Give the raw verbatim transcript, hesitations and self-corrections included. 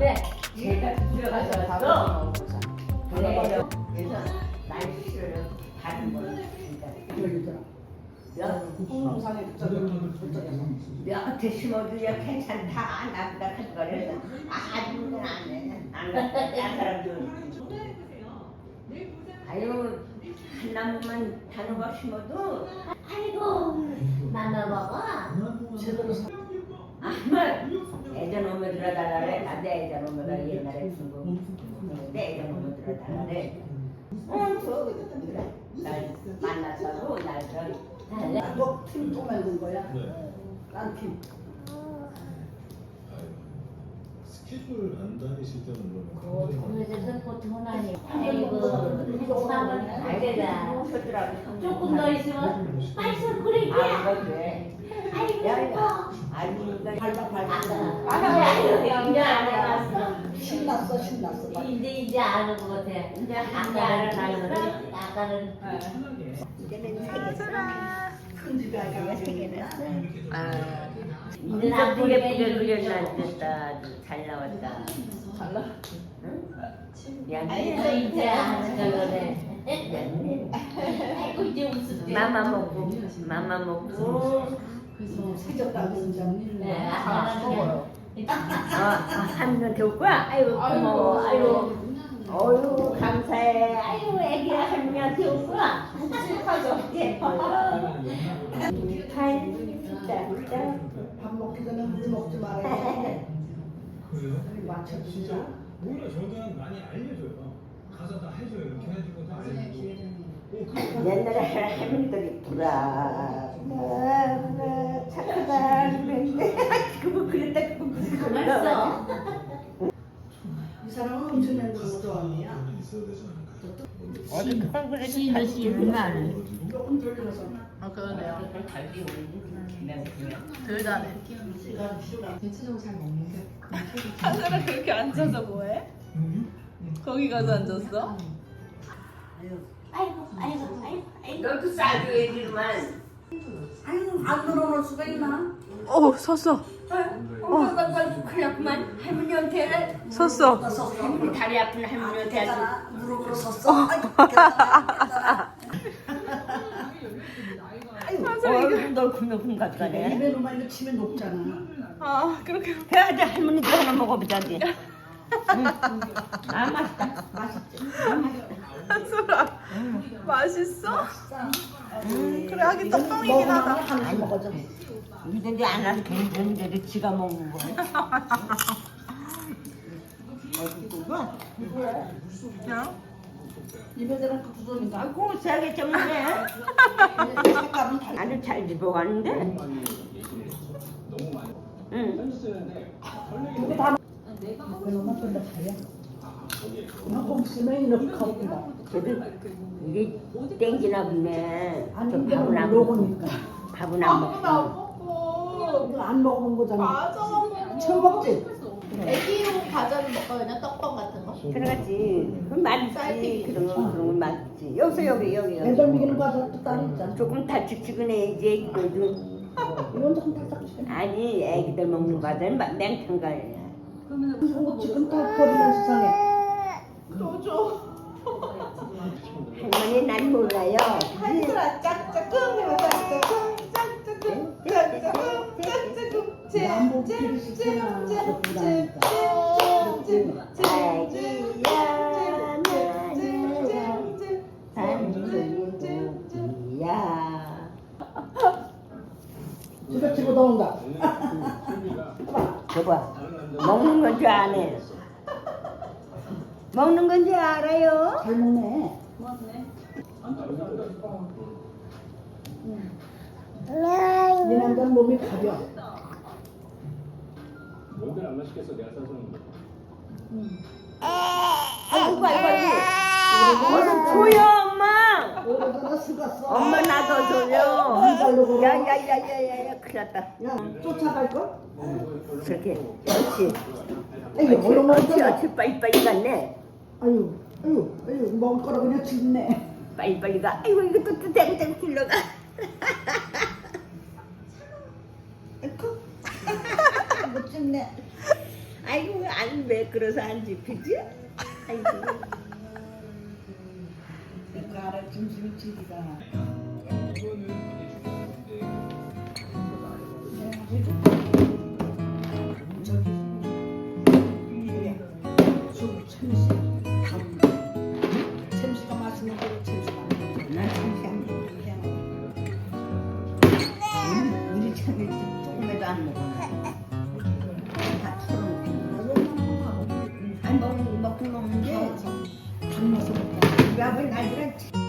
근데 제가 들어가서 왔어. 그래. 그래서 날씨를 다른 거는 진짜. 국동산에 몇 개 심어도야 괜찮다. 나보다 큰 거를 아주 그냥 안 해. 안 갔다. 딴 사람들. 아유 한 나무만 단호박 심어도 아이고 만나 먹어. 제대로 사. 아말 애전 오면 들어달라래. 나내 애전 오면가 옛날에 친구. 내 애전 오면 들어달라래. 응 저 그래. 날 만나서도 날좀 달래. 너팀또 만든 거야? 난 팀. 스케줄 안 다니실 때는 그러면 그래서 보통은 아니. 아이고, 사람 알게다. 서주라고 조금 더 있으면 맛있어 그래. 아 이거 돼. 아이고, 야야. 아니 이거 발박 발박. 아이고, 이제 안 해봤어. 신났어 신났어. 이제 이제 아는 것 같아. 이제 아까는 알아나는 알거든. 아까는 이제는 세겠어. 큰 집에 내가 아이가 세겠어. 아. 이제 이거 안 되게 보이게 예쁘게 그려놨다. 아주 잘 나왔다. 달라. 응? 아이고 미안해. 이제 아는 거네. 미안해. 아이고 이제 웃을 맘마 먹고, 맘마 먹고. 생겼다 진짜. 네, 아는 거. 아, 한명 데울 거야? 아이고 고마워. 아이고, 어유 감사해. 아이고 애기야 한명 데울 거야. 하죠. 예뻐요. 팔 진짜 진짜. 밥 먹기 전에 물 먹지 말아요. 그래요? 맞춰주자. 진짜 오히려 저는 많이 알려줘요. 가서 다 해줘요. 이렇게 해주고 다 알려주고. 오, 그래. 옛날에 할머니들이 불아 불아 착하다 그랬는데 그거 그랬다 그거 무슨 맛있어. 이 사람은 음식 만드는 거 좋아하냐? 돈이 있어야 되지 않을까? 어디 그런 거를 씨는 씨는 안. 조금 돌려서. 아 그러네요. 갈비 올리는 덜 다네. 시간 시간. 하늘아 그렇게 앉아서 뭐해? 거기 가서 앉았어? 아이고 아이고 아이고 아이고. 너도 싸게 얘기만 아유 안 들어놓을 수가 있나? 어 섰어. 엄마가 가지고 큰일 났구만 할머니한테 섰어. 할머니 다리 아픈 할머니한테 아주 깼잖아. 무릎으로 섰어. 아이고 깼잖아. 어이구 넓은 넓은 것 같네 입에 놓으면 이거 치면 녹잖아. 아 그렇게. 해야지 할머니도 하나 먹어보자 이제 응. 아 맛있다 맛있지 아, 맛있다 한솔아 맛있어? 음, 그래 하긴 떡방이긴 하다. 하나씩 먹어줘. 이런데 안 하도 되는데 지가 먹는 거야 어디 봐 그냥 입에 들어가 부서니까. 아이고 세게 ጨ먹네 색감은 달라. 아주 잘 집어가는데 응 이거 다 그놈은 근데 달려. 나꼭 쓰면 이렇게 커진다. 그래도 이게 땡기나 보네 아니 저 이게 밥은 안 녹으니까. 먹고 밥은 안 아무도 안 먹고 먹고. 이거 안 먹어본 거잖아. 맞아. 처음 먹지? 애기용 과자는 먹거든요. 떡밥 같은 거. 들어가지 그럼 맛있지 그런 거 그런 건 맛있지 여기서 여기 여기 여기 애들 먹이는 과자 또 따로 있잖아. 조금 달짝지근해야지 이거도 이건 좀 달짝지근. 아니 애기들 먹는 과자는 막 맹탕가야 이거 지금 다 버리면 세상에. 또 줘. 할머니 난 몰라요 한솔아 짝짝꿍 해봐 짝짝꿍 짝짝꿍 짝짝꿍 짝짝꿍 남보 필요 있잖아. 아기야 나는 단순이야 집에 집어 넣은다. 저봐 먹는 건 줄 아네 먹는 건 줄 알아요 잘 먹네. 이 남자는 몸이 가벼. 뭔데 안 맛있겠어? 내가 사주는 거. 아이고 아이고 아이고 어서 줘요 엄마 오래전에 쓰갔어. 엄마 나도 줘요 야야야야야야 큰일 났다 야, 쫓아갈 걸? 그렇게 그렇지 아유, 얼른 그렇지 먹자. 그렇지 빨리빨리 갔네 아유, 아유, 아유, 먹을 거라 그냥 짖네. 빨리빨리 가 아이고 이거 또 대고 대고 길러가 아이고, 못 짖네. 아이고 안 왜 그래서 안 집히지? 아이고. 그 알아 중심이 집이다. 이거는 되게 중요한 건데 저기 뭐야? 수 참치 감. 참치가 맛있는 거로 참치가. 난 참치 안 먹어. 우리, 우리 참치 조금에도 안 먹어. 다 털어놓고. 아니 먹, 먹긴 먹는데 밥 먹어. 왜 아버지 나이랑